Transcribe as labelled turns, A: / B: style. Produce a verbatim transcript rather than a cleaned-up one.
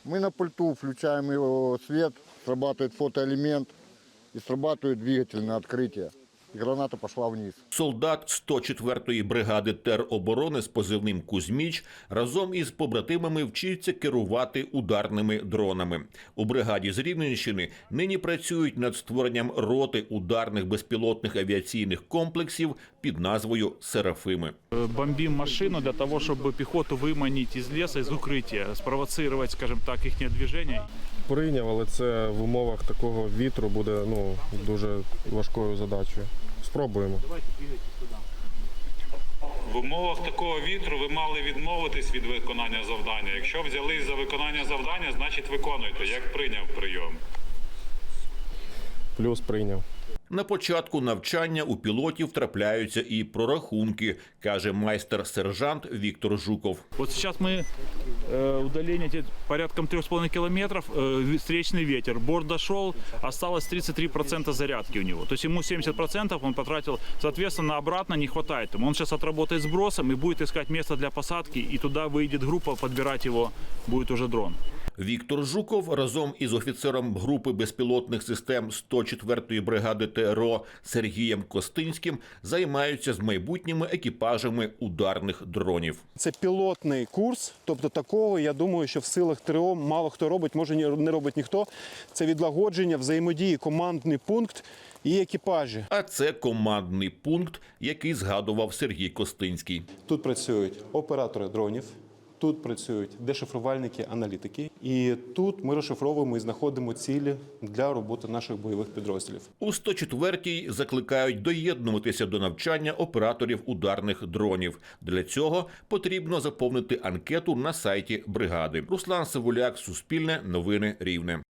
A: Мы на пульту включаем его свет, срабатывает фотоэлемент и срабатывает двигатель на открытие. І граната пішла вниз.
B: Солдат сто четвертої бригади тероборони з позивним «Кузьміч» разом із побратимами вчиться керувати ударними дронами. У бригаді з Рівненщини нині працюють над створенням роти ударних безпілотних авіаційних комплексів під назвою «Серафими».
C: Бомбим машину для того, щоб піхоту виманити із лісу, з укриття, спровоцирувати, скажімо так, їхнє движення.
D: Прийняв, але це в умовах такого вітру буде ну, дуже важкою задачею. Спробуємо.
E: В умовах такого вітру ви мали відмовитись від виконання завдання. Якщо взялись за виконання завдання, значить виконуйте. Як прийняв прийом?
D: Плюс прийняв.
B: На початку навчання у пілотів трапляються і прорахунки, каже майстер-сержант Віктор Жуков.
C: Вот сейчас мы э, удаление порядком трёх с половиной километров, э, встречный ветер, борт дошел, осталось тридцать три процента зарядки у него. То есть ему семьдесят процентов он потратил, соответственно, обратно не хватает ему. Он сейчас отработает сбросом и будет искать место для посадки, и туда выйдет группа, подбирать его будет уже дрон.
B: Віктор Жуков разом із офіцером групи безпілотних систем сто четвертої бригади ТРО Сергієм Костинським займаються з майбутніми екіпажами ударних дронів.
F: Це пілотний курс, тобто такого, я думаю, що в силах ТРО мало хто робить, може не робить ніхто. Це відлагодження, взаємодії, командний пункт і екіпажі.
B: А це командний пункт, який згадував Сергій Костинський.
F: Тут працюють оператори дронів, тут працюють дешифрувальники, аналітики. І тут ми розшифровуємо і знаходимо цілі для роботи наших бойових підрозділів.
B: У сто четвертій закликають доєднуватися до навчання операторів ударних дронів. Для цього потрібно заповнити анкету на сайті бригади. Руслан Савуляк, Суспільне, Новини Рівне.